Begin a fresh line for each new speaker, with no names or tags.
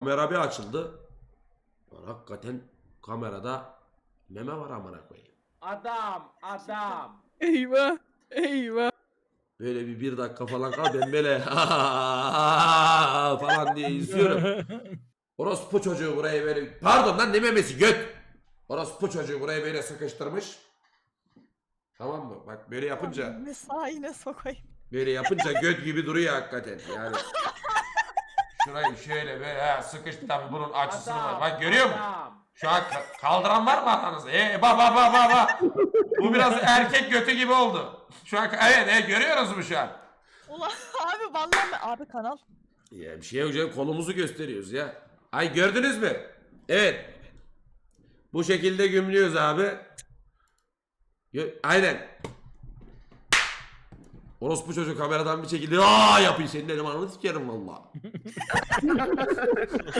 Kamera bir açıldı. Lan hakikaten kamerada meme var amına koyayım.
Adam.
Eyvah. Eyvah.
Böyle bir dakika falan kal ben böyle falan diye izliyorum. Orospu çocuğu burayı böyle pardon lan ne memesi göt. Orospu çocuğu burayı böyle sıkıştırmış. Tamam mı? Bak böyle yapınca
Mesaine sokayım.
böyle yapınca göt gibi duruyor hakikaten. Yani şurayı şöyle böyle sıkıştı tabii bunun açısı var. Bak görüyor musun? Şu an kaldıran var mı aranızda? Bak. Bu biraz erkek götü gibi oldu. Şu an evet görüyoruz mu şu an?
Ulan abi vallahi abi kanal.
Ya bir şey yok canım kolumuzu gösteriyoruz ya. Ay gördünüz mü? Evet. Bu şekilde gümlüyoruz abi. Aynen. Orospu çocuk kameradan bir şekilde yapayım senin elim ananı sikerim valla.